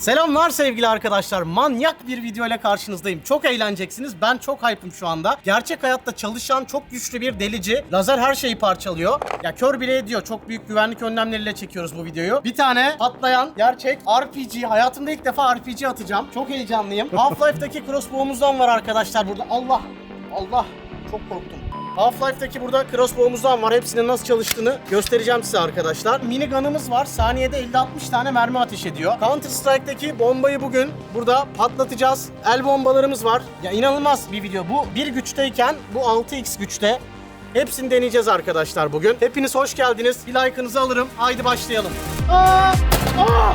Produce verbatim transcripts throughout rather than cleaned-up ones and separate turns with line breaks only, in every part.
Selamlar sevgili arkadaşlar. Manyak bir video ile karşınızdayım. Çok eğleneceksiniz. Ben çok hype'ım şu anda. Gerçek hayatta çalışan çok güçlü bir delici. Lazer her şeyi parçalıyor. Ya kör bile ediyor. Çok büyük güvenlik önlemleriyle çekiyoruz bu videoyu. Bir tane patlayan gerçek R P G. Hayatımda ilk defa R P G atacağım. Çok heyecanlıyım. Half-Life'daki crossbow'umuzdan var arkadaşlar burada. Allah! Allah! Çok korktum. Half-Life'daki burada crossbow'umuzdan var. Hepsinin nasıl çalıştığını göstereceğim size arkadaşlar. Minigun'ımız var. Saniyede elli altmış tane mermi ateş ediyor. Counter Strike'daki bombayı bugün burada patlatacağız. El bombalarımız var. Ya inanılmaz bir video. Bu bir güçteyken bu altı x güçte. Hepsini deneyeceğiz arkadaşlar bugün. Hepiniz hoş geldiniz. Bir like'ınızı alırım. Haydi başlayalım. Aa! Aa!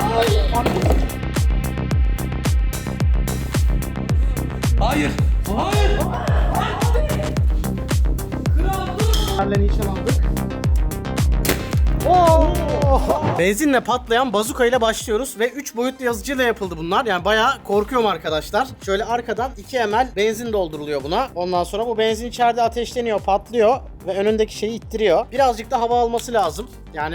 Hayır. Hayır.
Benle nişan aldık. Oo! Benzinle patlayan bazuka ile başlıyoruz ve üç boyutlu yazıcıyla yapıldı bunlar. Yani bayağı korkuyorum arkadaşlar. Şöyle arkadan iki mililitre benzin dolduruluyor buna. Ondan sonra bu benzin içeride ateşleniyor, patlıyor ve önündeki şeyi ittiriyor. Birazcık da hava alması lazım. Yani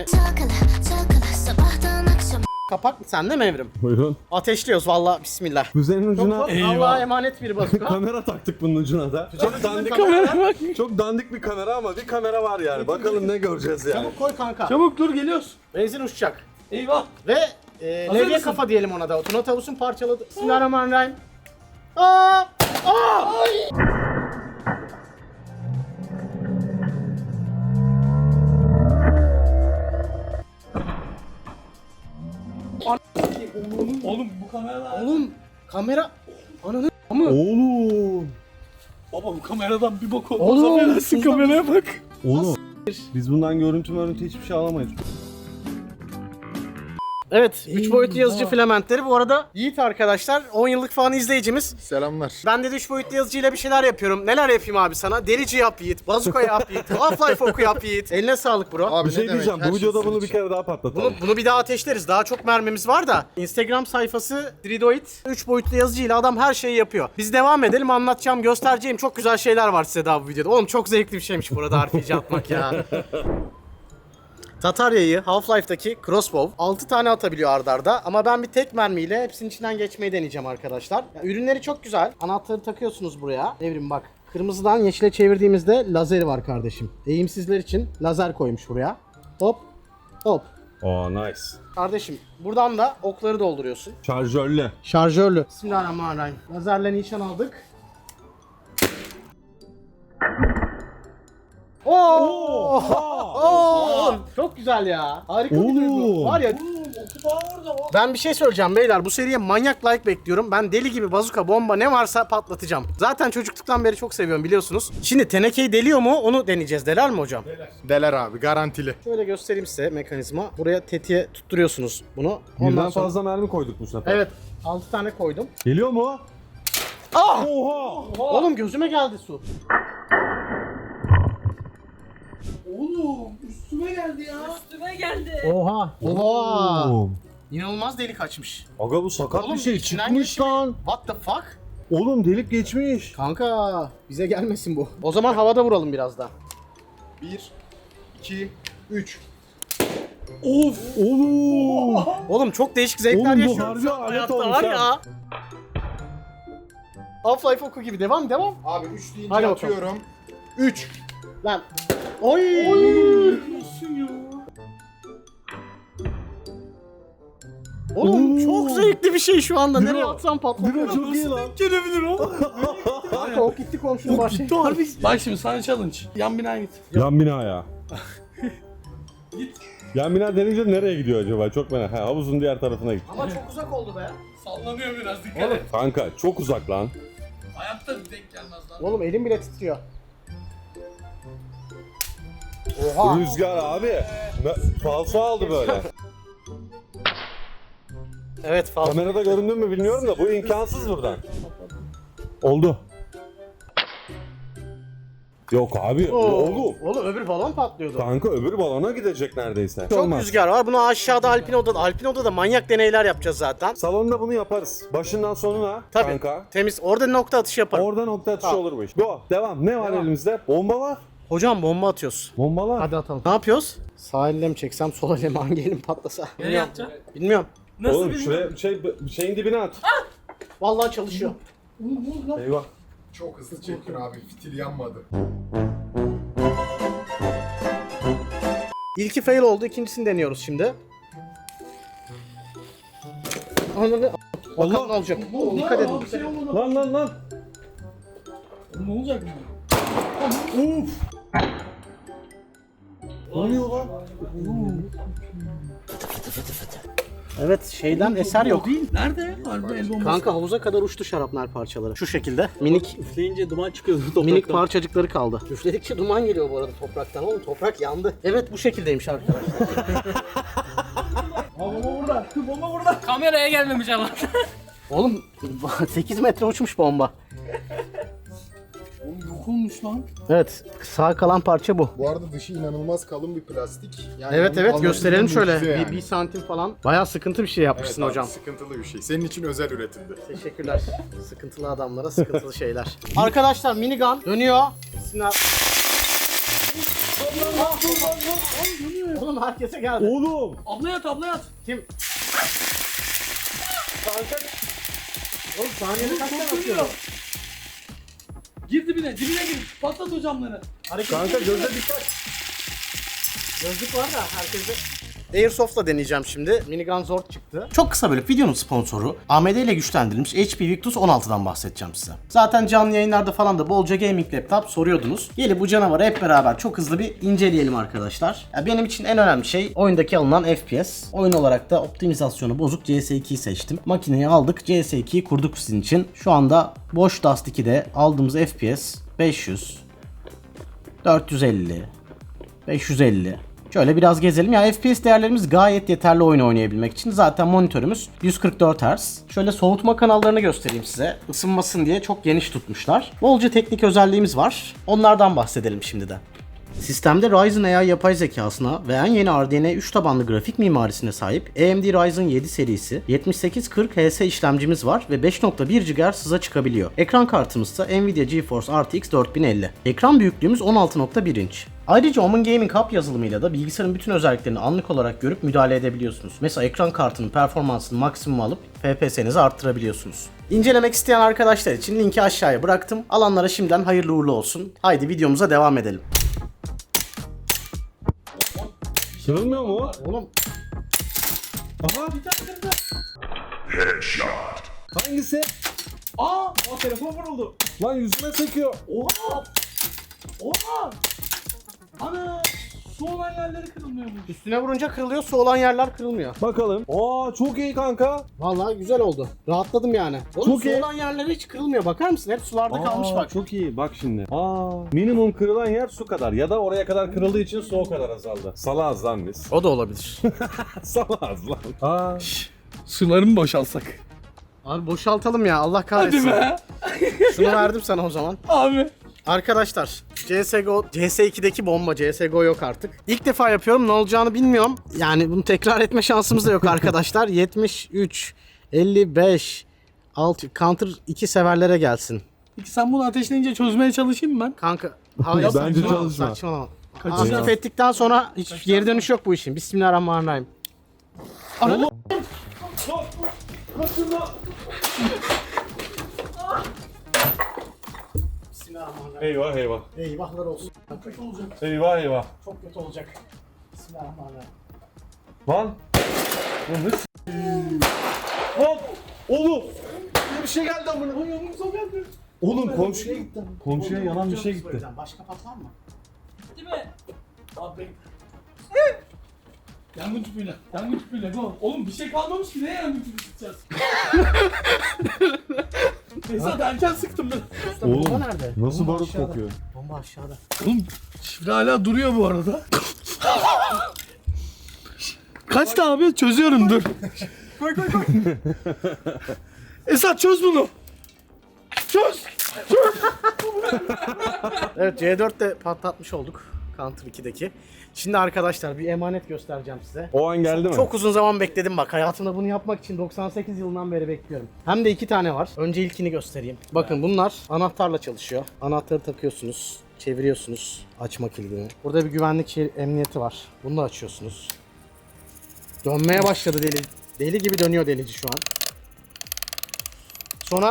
kapak mı sende mi Evrim?
Buyurun.
Ateşliyoruz vallahi, bismillah.
Füzenin ucuna
Çok Allah'a emanet bir bazuka.
kamera taktık bunun ucuna da. Çok dandik
kamera bak.
Çok dandik bir kamera ama bir kamera var yani. Bakalım ne göreceğiz yani.
Çabuk koy kanka.
Çabuk dur, geliyoruz.
Benzin uçacak.
Eyvah.
Ve e,
Hazır
levye
mısın?
kafa diyelim ona da. Tuna tavusun parçaladı. Bismillahirrahmanirrahim. Aa! Aa!
Oğlum bu kameradan.
Oğlum kamera ananı mı?
Oğlum.
Baba bu kameradan bir bok olmaz.
Oğlum,
Affedersin, kameraya bak.
Oğlum. Biz bundan görüntü görüntü hiçbir şey alamayız.
Evet, üç boyutlu yazıcı filamentleri. Bu arada Yiğit arkadaşlar on yıllık falan izleyicimiz.
Selamlar.
Ben de üç boyutlu yazıcıyla bir şeyler yapıyorum. Neler yapayım abi sana? Delici yap Yiğit, bazuka yap Yiğit, Half-Life oku yap Yiğit. Eline sağlık bro.
Abi
Bir şey
ne demek?
diyeceğim.
Her
Bu
şey
videoda
sizin
bunu bir
için.
kere daha patlatalım.
Bunu, bunu bir daha ateşleriz. Daha çok mermimiz var da. Instagram sayfası Dridoid. üç boyutlu yazıcıyla adam her şeyi yapıyor. Biz devam edelim, anlatacağım, göstereceğim çok güzel şeyler var size daha bu videoda. Oğlum çok zevkli bir şeymiş burada R P G atmak ya. Tatarya'yı Half-Life'daki crossbow altı tane atabiliyor ard arda ama ben bir tek mermiyle hepsinin içinden geçmeyi deneyeceğim arkadaşlar. Ya, ürünleri çok güzel. Anahtarı takıyorsunuz buraya. Evrim bak. Kırmızıdan yeşile çevirdiğimizde lazeri var kardeşim. Eğimsizler için lazer koymuş buraya. Hop. Hop.
Oh nice.
Kardeşim buradan da okları dolduruyorsun.
Şarjörlü.
Şarjörlü. Bismillahirrahmanirrahim. Lazerle nişan aldık. Oo! Oo! Çok güzel ya. Harika bir duygu. Var ya. Ben bir şey söyleyeceğim beyler. Bu seriye manyak like bekliyorum. Ben deli gibi bazuka, bomba ne varsa patlatacağım. Zaten çocukluktan beri çok seviyorum biliyorsunuz. Şimdi tenekeyi deliyor mu onu deneyeceğiz. Deler mi hocam?
Deler abi, garantili.
Şöyle göstereyim size mekanizma. Buraya tetiğe tutturuyorsunuz bunu. Ondan
Birden
sonra...
fazla mermi koyduk bu sefer.
Evet. altı tane koydum.
Geliyor mu?
Ah!
Oha!
Oğlum gözüme geldi su.
Oğlum üstüme geldi ya.
Üstüme geldi.
Oha. Oha.
Oğlum.
İnanılmaz delik açmış.
Aga bu sakat
Oğlum,
bir şey
içinden
çıkmış
geçmiyor.
lan.
What the fuck?
Oğlum delik geçmiş.
Kanka bize gelmesin bu. O zaman havada vuralım biraz daha.
bir, iki, üç.
Of! Oğlum!
Oğlum çok değişik zevkler
Oğlum bu
yaşıyoruz
harbi
şu an
alet
hayatta
olmuş
var
ha.
ya. Half-Life oku gibi devam devam.
Abi üç deyince
Hadi bakalım.
atıyorum. üç.
Lan. Oy. Oğlum
Oo.
çok zevkli bir şey şu anda.
Biro.
Nereye atsam patlar.
Biro çok iyi lan.
Gelebilir o.
Kanka ok gitti komşunun başı.
Gitti harbi. Bak şimdi sana challenge. Yan binaya git.
Yan binaya. Yan bina denince nereye gidiyor acaba? Çok merak. Ha, havuzun diğer tarafına git.
Ama çok uzak oldu be.
Sallanıyor biraz, dikkat et.
Kanka çok uzak lan.
Hayatta denk gelmez lan.
Oğlum elim bile titriyor. Oha.
Rüzgar abi. Ne- Falso aldı böyle.
Evet fazla.
Kamerada göründü mü bilmiyorum da bu imkansız buradan. Oldu. Yok abi.
Oo.
Oldu.
Oğlum öbür balon patlıyordu.
Kanka öbür balona gidecek neredeyse.
Çok
Olmaz.
rüzgar var. Bunu aşağıda Alpino'da, Alpino'da manyak deneyler yapacağız zaten.
Salonda bunu yaparız. Başından sonuna
Tabii.
kanka.
Temiz. Orada nokta atışı yaparım.
Orada nokta atışı
Tamam.
olur bu iş. Go. Devam. Ne var
Devam.
elimizde? Bomba var.
Hocam bomba atıyoruz.
Bombalar.
Hadi atalım. Ne yapıyoruz? Sağ elle mi çeksem, sol elle mi, hangi elim patlasa?
Nereye atacaksın?
Bilmiyorum.
Nasıl
Oğlum
bilmiyorum.
şuraya şey, şeyin dibine at.
Vallahi çalışıyor.
Eyvah.
Çok hızlı çektin abi. Fitil yanmadı.
İlki fail oldu. İkincisini deniyoruz şimdi. Ananı bakalım ne olacak. Dikkat edin.
Bir şey olmadı.
Lan lan lan.
Ne olacak mı?
Uf. Ne oluyor lan?
Evet şeyden eser yok.
Nerede? Harbi el bombası.
Kanka havuza kadar uçtu şarapnel parçaları. Şu şekilde minik
Üfleyince duman çıkıyordu topraktan.
minik parçacıkları kaldı. Üfledikçe duman geliyor bu arada topraktan oğlum. Toprak yandı. Evet bu şekildeymiş arkadaşlar.
Bomba burada. Bomba burada. Kameraya gelmemiş ama.
Oğlum sekiz metre uçmuş bomba.
Oğlum yok olmuş lan.
Evet sağ kalan parça bu.
Bu arada dışı inanılmaz kalın bir plastik. Yani
Evet
onun
evet
kalınlığı
gösterelim şöyle.
mucize
Bir,
yani.
bir santim falan. Bayağı sıkıntı bir şey yapmışsın
Evet abi,
hocam.
sıkıntılı bir şey. Senin için özel üretildi.
Teşekkürler. Sıkıntılı adamlara sıkıntılı şeyler. Arkadaşlar minigun dönüyor. Sinan... Oğlum herkese geldi.
Oğlum.
Abla yat abla yat.
Kim? Oğlum saniyede kaç tane atıyor?
Dönüyor. Gir dibine, dibine gir. Patlat o camları.
Kanka göze dikkat.
Gözlük var da herkese. Airsoft'la deneyeceğim şimdi. Minigun Zord çıktı. Çok kısa böyle videonun sponsoru A M D ile güçlendirilmiş H P Victus on altıdan bahsedeceğim size. Zaten canlı yayınlarda falan da bolca gaming laptop soruyordunuz. Gelin bu canavarı hep beraber çok hızlı bir inceleyelim arkadaşlar. Ya benim için en önemli şey oyundaki alınan F P S. Oyun olarak da optimizasyonu bozuk C S ikiyi seçtim. Makineyi aldık, C S ikiyi kurduk sizin için. Şu anda boş Dust ikide aldığımız F P S beş yüz, dört yüz elli, beş yüz elli. Şöyle biraz gezelim. Ya F P S değerlerimiz gayet yeterli oyun oynayabilmek için. Zaten monitörümüz yüz kırk dört hertz. Şöyle soğutma kanallarını göstereyim size. Isınmasın diye çok geniş tutmuşlar. Bolca teknik özelliğimiz var. Onlardan bahsedelim şimdi de. Sistemde Ryzen A I yapay zekasına ve en yeni R D N A üç tabanlı grafik mimarisine sahip A M D Ryzen yedi serisi yetmiş sekiz kırk H S işlemcimiz var ve beş nokta bir gigahertz hıza çıkabiliyor. Ekran kartımız ise Nvidia GeForce R T X dört bin elli. Ekran büyüklüğümüz on altı nokta bir inç. Ayrıca Omen Gaming Hub yazılımıyla da bilgisayarın bütün özelliklerini anlık olarak görüp müdahale edebiliyorsunuz. Mesela ekran kartının performansını maksimum alıp F P S'nizi arttırabiliyorsunuz. İncelemek isteyen arkadaşlar için linki aşağıya bıraktım. Alanlara şimdiden hayırlı uğurlu olsun. Haydi videomuza devam edelim.
Kırılmıyor mu?
Oğlum
Aha.
Bir tane kırdı.
Hangisi?
Aa, aa telefon vuruldu.
Lan yüzüme sekiyor.
Oha. Oha. Ana. Su olan yerleri kırılmıyormuş.
üstüne vurunca kırılıyor, su olan yerler kırılmıyor.
Bakalım. Aa çok iyi kanka.
Vallahi güzel oldu. Rahatladım yani. Oğlum
Çok
su
iyi.
olan yerleri hiç kırılmıyor. Bakar mısın? Hep sularda kalmış
Aa,
bak.
çok iyi. Bak şimdi. Aa minimum kırılan yer su kadar ya da oraya kadar kırıldığı için su o kadar azaldı. Salağız lan biz.
O da olabilir.
Salağız lan. Aa.
Suları mı boşalsak?
Abi boşaltalım ya. Allah
Hadi
kahretsin.
be.
Şunu verdim sana o zaman.
Abi.
Arkadaşlar C S G O, C S ikideki bomba, C S G O yok artık. İlk defa yapıyorum, ne olacağını bilmiyorum. Yani bunu tekrar etme şansımız da yok arkadaşlar. yetmiş üç, elli beş, altı, Counter iki severlere gelsin.
Peki sen bunu ateşleyince çözmeye çalışayım mı ben?
Kanka hayır,
Bence
saçmalama,
çalışma.
saçmalama.
Kaçacağız.
Aktif ettikten sonra hiç geri dönüş yok bu işin. Bismillahirrahmanirrahim. Ananı Bismillahirrahmanirrahim.
Eyvah eyvah.
Eyvahlar olsun.
Kötü olacak.
Eyvah eyvah.
Çok kötü olacak. Bismillahirrahmanirrahim.
Lan. Lan ne s- Hop. Oğlum. Bir şey geldi amına.
Ay yanımıza geldi.
Oğlum komşuya gitti. Komşuya yanan bir şey gitti.
Başka pat var mı?
Değil mi? Abi. Yangın tüpüyle. Yangın tüpüyle. Go. Oğlum bir şey kalmamış ki. Ne yangın tüpü sıkacağız? Neyse erken sıktım ben.
Usta, bomba nerede?
Nasıl
Bomba
barut
aşağıda.
kokuyor?
Bomba aşağıda.
Oğlum şifre hala duruyor bu arada. Kaçtı abi? Çözüyorum dur. Koy koy koy. Esat çöz bunu. Çöz.
Evet C dörtte patlatmış olduk. Counter ikideki. Şimdi arkadaşlar bir emanet göstereceğim size.
O an geldi mi?
Çok uzun zaman bekledim bak. Hayatımda bunu yapmak için doksan sekiz yılından beri bekliyorum. Hem de iki tane var. Önce ilkini göstereyim. Bakın bunlar anahtarla çalışıyor. Anahtarı takıyorsunuz. Çeviriyorsunuz açma kilidini. Burada bir güvenlik şey, emniyeti var. Bunu da açıyorsunuz. Dönmeye başladı deli. Deli gibi dönüyor delici şu an. Sonra...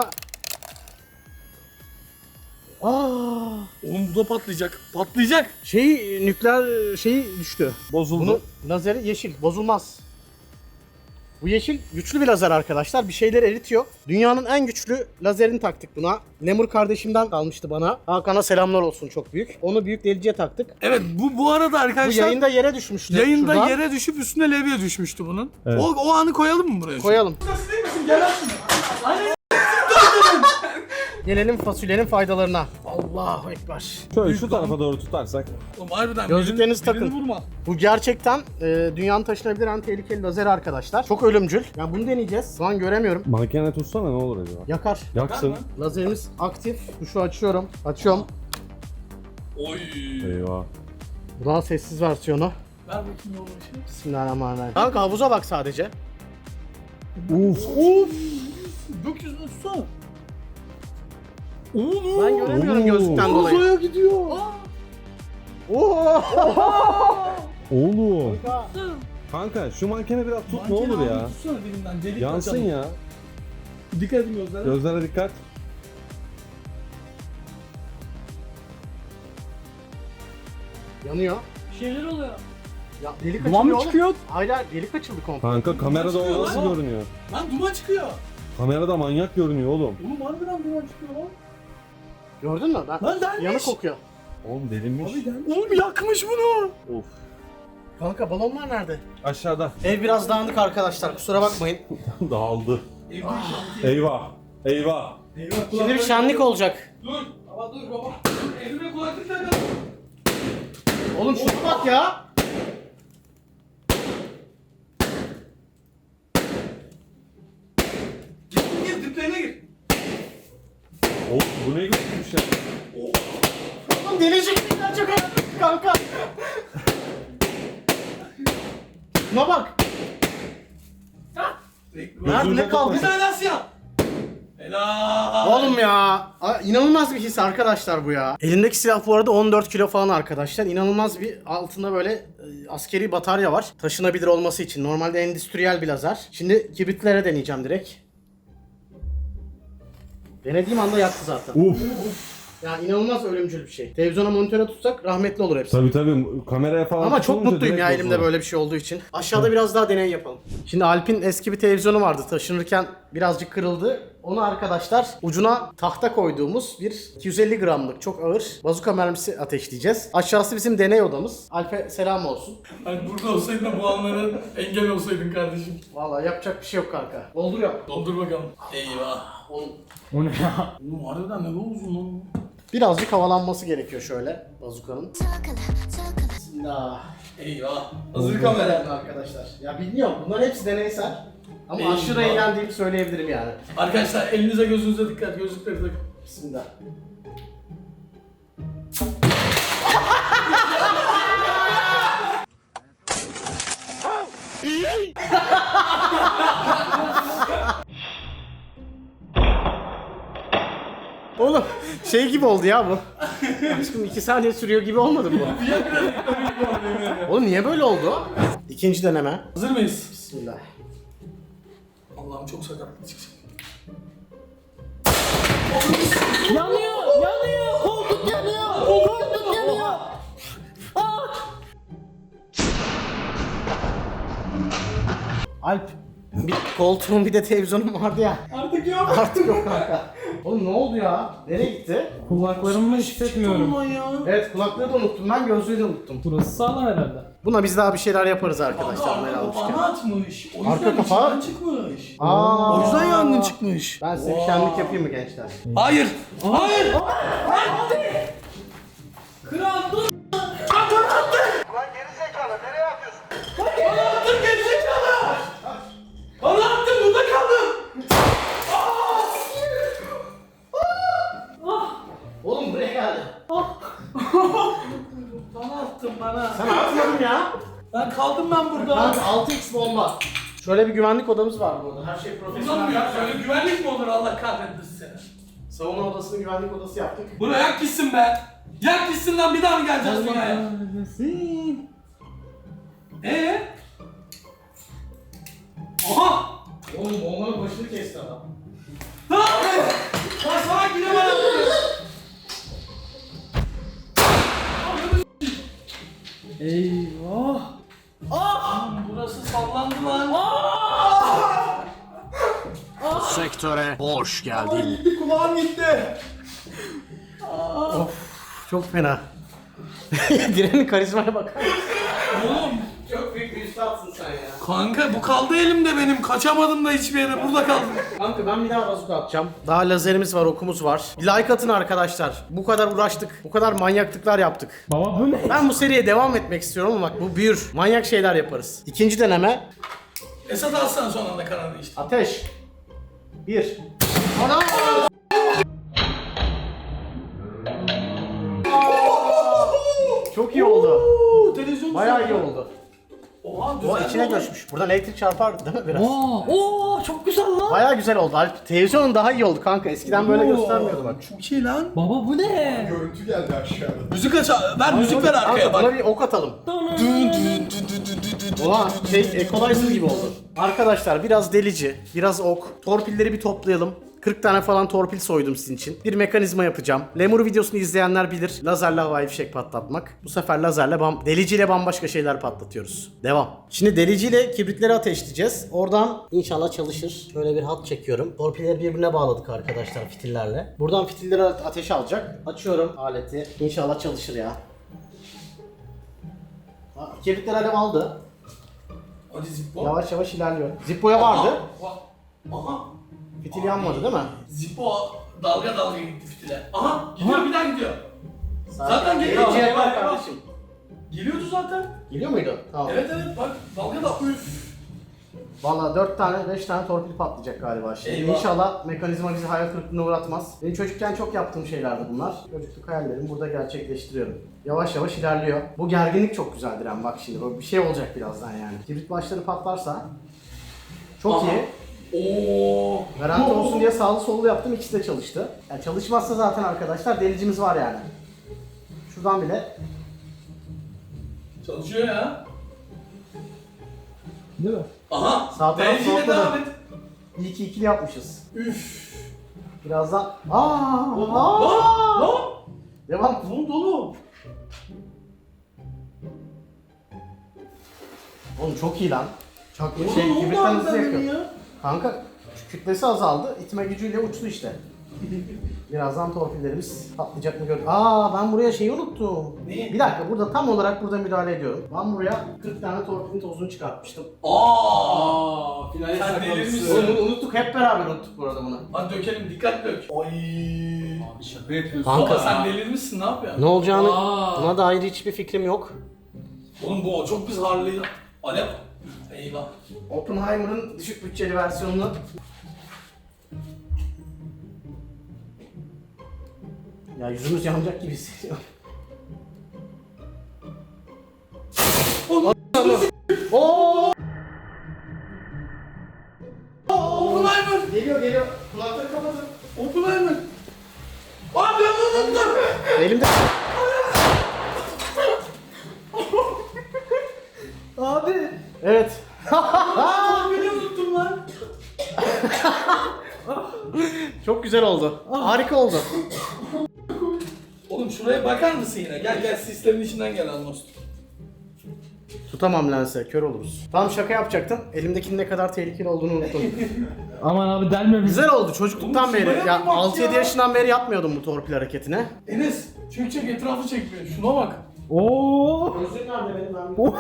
Aa,
Oğlum bu da patlayacak. Patlayacak.
şey nükleer şeyi düştü.
Bozuldu.
Bunun lazeri yeşil, bozulmaz. Bu yeşil güçlü bir lazer arkadaşlar. Bir şeyleri eritiyor. Dünyanın en güçlü lazerini taktık buna. Lemur kardeşimden kalmıştı bana. Hakan'a selamlar olsun, çok büyük. Onu büyük deliciye taktık.
Evet bu bu arada
Bu
arkadaşlar
yayında yere düşmüştü.
yayında
şuradan.
yere düşüp üstüne levye düşmüştü bunun.
Evet.
O, o anı koyalım mı buraya?
Koyalım.
Nasıl değil misin? Gel aslında. Aynen.
Gelelim fasulyenin faydalarına. Allahu ekber.
Şöyle şu tarafa doğru tutarsak.
Oğlum harbiden
Gözlüklerinizi
birini- birini
takın.
vurma.
Bu gerçekten e, dünyanın taşınabilir en tehlikeli lazer arkadaşlar. Çok ölümcül. Ya bunu deneyeceğiz. Şu an göremiyorum.
Mankene tutsana ne olur acaba?
Yakar.
Yaksın.
Yakar mı?
Lazerimiz aktif. Tuşu açıyorum. Açıyorum.
Oy.
Eyvah.
Bu daha sessiz versiyonu.
Ver bakayım oğlum işi.
Bismillahirrahmanirrahim. Kanka havuza bak sadece.
Uf.
Of. Gökyüzüne tutsana. Oğlum.
Ben göremiyorum
Oo.
gözlükten dolayı.
Uzaya gidiyor.
Oo.
Oğlum. Kanka şu mankene biraz tut ne olur ya.
Tutsana dilinden. Delik
Yansın
açalım.
ya.
Dikkat edin gözlere.
Gözlere dikkat.
Yanıyor.
Bir şeyler oluyor.
Ya delik
Duman mı
açılıyor
çıkıyor?
oğlum. Hayır hayır, delik açıldı komple.
Kanka kamerada
çıkıyor
o nasıl
lan.
görünüyor?
Lan duman çıkıyor.
Kamerada manyak görünüyor oğlum.
Oğlum harbiden duman çıkıyor lan.
Gördün mü? Ben...
Lan delmiş.
Yanık kokuyor.
Oğlum delinmiş.
Oğlum yakmış bunu.
Of.
Kanka balonlar nerede?
Aşağıda.
Ev biraz dağınık arkadaşlar, kusura bakmayın.
Dağıldı. Eyvah. Eyvah.
Şimdi bir şenlik olacak.
Dur. Baba dur baba. Dur, elime kulaklık takalım.
Oğlum şuna bak ya.
Gir gir diplerine gir.
Oğlum bu ne götürmüş ya?
Oğlum delicik bir gerçek hayat kanka. Şuna bak. Nerede ne kaldı?
Bir tane daha siyah. Helal.
Oğlum ya, a- inanılmaz bir his arkadaşlar bu ya. Elindeki silah bu arada on dört kilo falan arkadaşlar. İnanılmaz bir altında böyle e, askeri batarya var. Taşınabilir olması için. Normalde endüstriyel bir lazer. Şimdi kibritlere deneyeceğim direkt. Denediğim anda yaktı zaten.
Uf.
Ya inanılmaz ölümcül bir şey. Televizyona monitöre tutsak rahmetli olur hepsi.
Tabii tabii kameraya falan
Ama çok
tutunca
mutluyum ya
direkt
elimde
bozulur.
böyle bir şey olduğu için. Aşağıda biraz daha deney yapalım. Şimdi Alp'in eski bir televizyonu vardı. Taşınırken birazcık kırıldı. Onu arkadaşlar ucuna tahta koyduğumuz bir iki yüz elli gramlık çok ağır bazuka mermisi ateşleyeceğiz. Aşağısı bizim deney odamız. Alp'e selam olsun.
Hani burada olsaydın da bu anlara engel olsaydın kardeşim.
Vallahi yapacak bir şey yok kanka. Dolduruyor.
Doldur bakalım. Eyvah.
Oğlum,
O ne ya? Oğlum harbiden ne uzun lan bu?
birazcık havalanması gerekiyor şöyle bazukanın. Bismillah.
Eyvah. Hazır kamera.
Arkadaşlar. Ya bilmiyorum, bunların hepsi deneysel. Ama
Eyvah.
aşırı eğlendiğimi söyleyebilirim yani.
Arkadaşlar elinize gözünüze dikkat. Gözlükleri takın.
Bismillah. Oğlum şey gibi oldu ya bu. Aşkım iki saniye sürüyor gibi olmadı mı bu? Oğlum niye böyle oldu? İkinci deneme.
Hazır mıyız?
Bismillah.
Allah'ım çok sakatlı çıkacak.
Yanıyor! Yanıyor! Koltuk yanıyor! Koltuk yanıyor! Alp, bir koltuğun bir de televizyonum vardı ya.
Artık yok.
Artık yok kanka. Oğlum ne oldu ya? Nereye gitti?
Kulaklarımı hissetmiyorum.
Aman ya.
Evet, kulaklığı da unuttum ben, gözlüğü de unuttum.
Burası sağlam herhalde.
Buna biz daha bir şeyler yaparız
Kanka
arkadaşlar böyle
arka
almışken.
kapağını atmış. O
Arka
yüzden
kapağı-
içinden çıkmış.
Aa.
O yüzden yangın çıkmış.
Ben size bir şenlik yapayım mı gençler?
Hayır. Hayır. Hayır. Kral dur. Bana attın. Lan geri zekalı nereye atıyorsun? Bana attın geri zekalı. Bana attın burada kaldım.
Oğlum buraya geldi.
Bana attın bana.
Sen atmadın ya.
Ben kaldım ben burada.
Kanka altı x bomba. Şöyle bir güvenlik odamız var burada. Her şey profesyonel.
Uzanmıyor. Böyle güvenlik mi olur Allah kahretmesin seni.
Savunma odasını güvenlik odası yaptık.
Bunu yak gitsin be. Yak gitsin lan bir daha mı geleceğiz dünyaya? Eee? Aha!
Oğlum bombanın başını kesti adam.
Ne yapıyorsun? Lan salak yine bana atıyor.
Eyvah.
Lan burası sallandı lan.
Sektöre hoş geldin.
Gitti kulağım gitti.
Çok fena. Direnin karizmaya bakar mısın?
Oğlum.
Çok büyük bir üstadsın sen ya.
Kanka bu kaldı elimde benim. Kaçamadım da hiçbir yere. Burada kaldım.
Kanka ben bir daha bazuka atacağım. Daha lazerimiz var, okumuz var. Bir like atın arkadaşlar. Bu kadar uğraştık. Bu kadar manyaklıklar yaptık.
Baba bu ne?
Ben bu seriye devam etmek istiyorum ama bak bu büyür. Manyak şeyler yaparız. İkinci deneme.
Esat alsana son anda karar değişti.
Ateş. Bir. Ana! Çok iyi oldu.
Oo, televizyon
Bayağı iyi oldu.
Oha
O
güzel.
içine göçmüş. Buradan elektrik çarpar değil mi biraz?
Oo, oo çok güzel lan.
Bayağı güzel oldu. Alp, televizyonun daha iyi oldu kanka. Eskiden böyle
Oo,
göstermiyordu bak.
Çok iyi lan.
Baba bu ne?
Görüntü geldi aşağıda.
Müzik aç. Ver müzik ver arkaya
Kanka buna
bak.
bir ok atalım. Oha şey equalizer gibi oldu. Arkadaşlar biraz delici, biraz ok. Torpilleri bir toplayalım. kırk tane falan torpil soydum sizin için. Bir mekanizma yapacağım. Lemur videosunu izleyenler bilir. Lazerle havai fişek patlatmak. Bu sefer lazerle bam deliciyle bambaşka şeyler patlatıyoruz. Devam. Şimdi deliciyle kibritleri ateşleyeceğiz. Oradan inşallah çalışır. Şöyle bir hat çekiyorum. Torpilleri birbirine bağladık arkadaşlar fitillerle. Buradan fitilleri ateşe alacak. Açıyorum aleti. İnşallah çalışır ya. Ha, kibritler alev aldı.
Hadi Zippo.
Yavaş yavaş ilerliyor. Zippo'ya vardı.
Aha. Aha.
Fitil yanmadı değil mi?
Zippo dalga dalga gitti fitile. Aha gidiyor bir daha gidiyor. Zaten
Deliciye
geliyor.
bak
Eyvah, eyvah.
kardeşim.
Geliyordu zaten.
Geliyor muydu? Tamam.
Evet evet bak dalga da üf.
Valla dört tane beş tane torpil patlayacak galiba şimdi.
Eyvah.
İnşallah mekanizma bizi hayal kırıklığına uğratmaz. Benim çocukken çok yaptığım şeylerdi bunlar. Çocukluk hayallerimi burada gerçekleştiriyorum. Yavaş yavaş ilerliyor. Bu gerginlik çok güzel Diren bak şimdi. Böyle bir şey olacak birazdan yani. Kibrit başları patlarsa çok
Aha.
iyi.
Oo.
Garanti olsun diye sağlı sollu yaptım, ikisi de çalıştı. Yani çalışmazsa zaten arkadaşlar delicimiz var yani. Şuradan bile
Çalışıyor ya.
Değil mi?
Aha.
Sağ taraf
Deliciyle
soğutmadı.
devam et.
iyi ki ikili yapmışız.
Üf.
Birazdan aa,
Lan.
aa.
Lan.
Devam.
Bunun dolu.
Oğlum çok iyi lan. Çok iyi.
Oğlum,
Şey
ne oldu
kibritten
abi
hızlı
sende
yakıyor.
ya?
Kanka kütlesi azaldı. İtme gücüyle uçtu işte. Birazdan torpillerimiz patlayacak mı gör. Aa ben buraya şeyi unuttum.
Neyi?
Bir dakika burada tam olarak burada müdahale ediyorum. Ben buraya kırk tane torpilin tozunu çıkartmıştım.
Aa.
finale
Sen
Oğlum,
delirmişsin.
bunu unuttuk hep beraber unuttuk bu arada bunu.
Hadi dökelim dikkat dök. Ay.
Şaka yapıyorsun.
Kanka.
Baba sen delirmişsin ne yapıyorsun?
Ne olacağını
Aa.
buna dair hiçbir fikrim yok.
Oğlum bu çok biz harlıydı. Alev. Eyvah.
Oppenheimer'ın düşük bütçeli versiyonunu ya yüzümüz yanacak gibi hissediyorum.
Oğlum.
Oo!
Oppenheimer.
Geliyor geliyor. Kulakları kapatın.
Oppenheimer. Abi ben bunu unuttum.
Elimde.
Abi.
Evet.
Beni unuttum lan.
Çok güzel oldu. Harika oldu.
Oğlum şuraya bakar mısın yine? Gel gel sistemin içinden gel Almost.
Tutamam lense, kör oluruz. Tam şaka yapacaktım. Elimdekinin ne kadar tehlikeli olduğunu unuttum.
Aman abi delme bizi.
Güzel oldu çocukluktan
Oğlum
beri.
şuraya
Ya
bir bak
altı yedi
ya.
yaşından beri yapmıyordum bu torpil hareketine.
Enes çek çek etrafı çekmiyor. Şuna bak.
Oo.
Gözlüğüm nerede benim? Ben
Oh.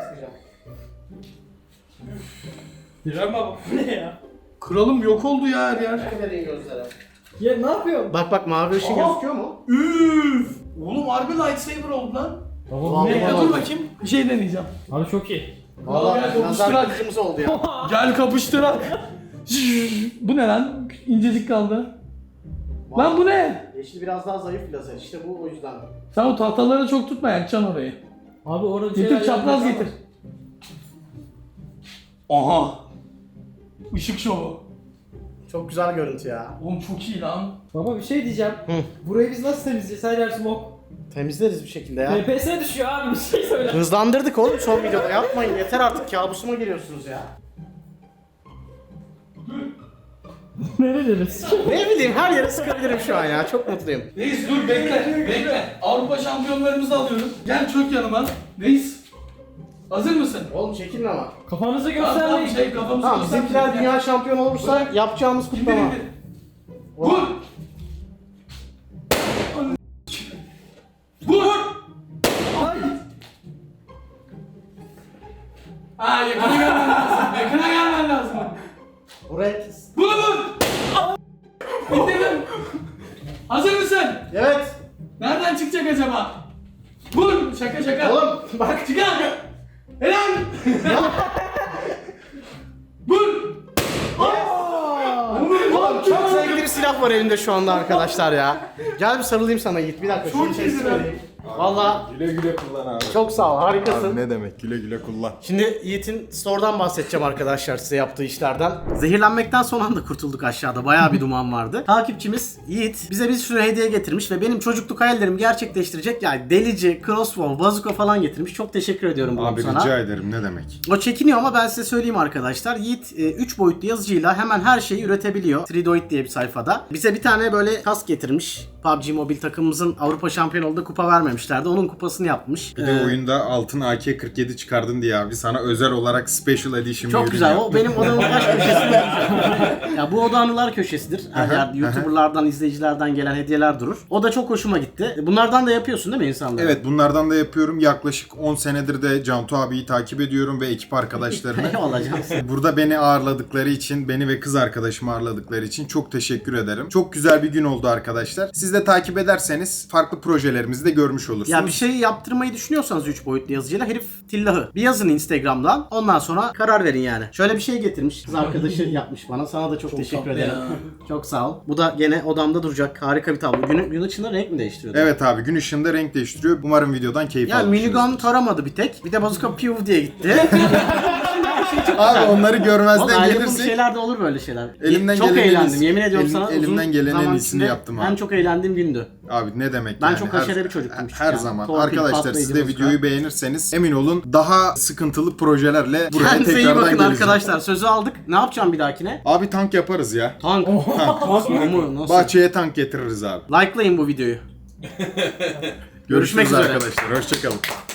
Diren baba.
Ne ya?
Kralım yok oldu ya her yer.
Ne vereyim gözlere?
Ya ne yapıyorsun?
Bak bak mavi ışın
Aha.
gözüküyor mu?
Üf. Oğlum harbi lightsaber oldu lan.
Baba
Vallahi
bu ne
Bekle
ya?
dur bakayım. Bir şey deneyeceğim.
Abi çok iyi.
Valla
Gel
nazar
kapıştırak.
kılıcımız oldu ya.
Gel kapıştırak. Bu ne lan? İncecik kaldı. Lan bu ne?
Yeşil biraz daha zayıf bir lazer. İşte bu o yüzden.
Sen o tahtaları çok tutma yakacaksın orayı.
Abi orada
Getir çapraz getir. Aha. Işık şovu.
Çok güzel görüntü ya.
Oğlum çok iyi lan.
Baba bir şey diyeceğim.
Hı.
Burayı biz nasıl temizleyeceğiz? Her yer smoke.
Temizleriz bir şekilde ya.
F P S düşüyor abi bir şey söyle.
Hızlandırdık oğlum son videoda. Yapmayın yeter artık kabusuma giriyorsunuz ya.
Nereleriz?
Ne bileyim her yere sıkabilirim şu an ya. Çok mutluyum.
Reis dur bekle. Bekle. Avrupa şampiyonlarımızı alıyoruz. Gel çök yanıma. Reis. Hazır mısın?
Oğlum çekilin ama.
Kafanızı
Tamam tamam
göstermeyin.
şey kafamızı
Tamam
göstermeyin.
bizimkiler dünya şampiyonu olursa yapacağımız
İndir
kutlama.
indir. Vur. Vur.
Ay.
Aa yakına gelmen lazım. Yakına gelmen lazım.
Oraya...
Vur vur. İndirdim. Hazır mısın?
Evet.
Nereden çıkacak acaba? Vur. Şaka şaka.
Oğlum bak.
Çıkar. Helal. Vur.
Oğlum çok zevkli bir silah var elimde şu anda arkadaşlar ya. Gel bir sarılayım sana Yiğit. Bir dakika şunu
Çok
teslim
güzel.
edeyim. Valla
Güle güle kullan abi.
çok sağ ol harikasın.
Abi ne demek güle güle kullan.
Şimdi Yiğit'in store'dan bahsedeceğim arkadaşlar size yaptığı işlerden. Zehirlenmekten son anda kurtulduk aşağıda. Bayağı bir duman vardı. Takipçimiz Yiğit bize bir sürü hediye getirmiş ve benim çocukluk hayallerimi gerçekleştirecek yani delici, crossbow, bazooka falan getirmiş. Çok teşekkür ediyorum bunu
Abi
sana.
rica ederim ne demek.
O çekiniyor ama ben size söyleyeyim arkadaşlar. Yiğit üç boyutlu yazıcıyla hemen her şeyi üretebiliyor. Tridoid diye bir sayfada. Bize bir tane böyle kask getirmiş. P U B G Mobile takımımızın Avrupa şampiyonu olduğu kupa vermemişlerdi. Onun kupasını yapmış.
Bir de
Ee,
oyunda altın A K kırk yedi çıkardın diye abi sana özel olarak Special Edition bir
Çok
ürün
güzel.
yaptım.
O benim odamın baş köşesinde. Ya bu oda anılar köşesidir. Her
Aha,
yerde YouTuber'lardan, izleyicilerden gelen hediyeler durur. O da çok hoşuma gitti. Bunlardan da yapıyorsun değil mi insanlara?
Evet bunlardan da yapıyorum. Yaklaşık on senedir de Cantu abiyi takip ediyorum ve ekip arkadaşlarını.
Eyvallah cansın.
Burada beni ağırladıkları için, beni ve kız arkadaşımı ağırladıkları için çok teşekkür ederim. Çok güzel bir gün oldu arkadaşlar. Siz de takip ederseniz farklı projelerimizi de görmüş olursunuz.
Ya bir şey yaptırmayı düşünüyorsanız üç boyutlu yazıcıyla herif tillahı. Bir yazın Instagram'dan. Ondan sonra karar verin yani. Şöyle bir şey getirmiş. Kız arkadaşı yapmış bana. Sana da çok, teşekkür
tatlı
ederim.
ya.
Çok sağ ol. Bu da gene odamda duracak. Harika bir tablo. Gün, gün ışığında renk mi değiştiriyordu?
Evet abi gün ışığında renk değiştiriyor. Umarım videodan keyif
Yani
almışsınızdır.
minigun taramadı bir tek. Bir de bazooka piu diye gitti.
Abi onları
Oğlum
görmezden
ayrı bu
gelirsek
şeyler de olur böyle şeyler.
Elimden
çok
gelenin en
eğlendim.
iyisi-
Yemin ediyorum
elim-
sana uzun
elimden gelenin en
zaman
iyisini
içinde
yaptım abi.
En çok eğlendiğim gündü.
Abi ne demek
Ben
yani.
çok
Her-
haşere bir çocuktum
Her
küçükken.
zaman.
Torpil,
Arkadaşlar
patlayıcı
siz de
bazooka.
videoyu beğenirseniz emin olun daha sıkıntılı projelerle buraya
Kendinize iyi
tekrardan
bakın
geleceğim.
arkadaşlar. Sözü aldık. Ne yapacağım bir dahakine?
Abi tank yaparız ya.
Tank. Tank mı? Nasıl?
Bahçeye tank getiririz abi.
Likelayın bu videoyu. Görüşmek
Görüşürüz
üzere.
arkadaşlar. Hoşçakalın.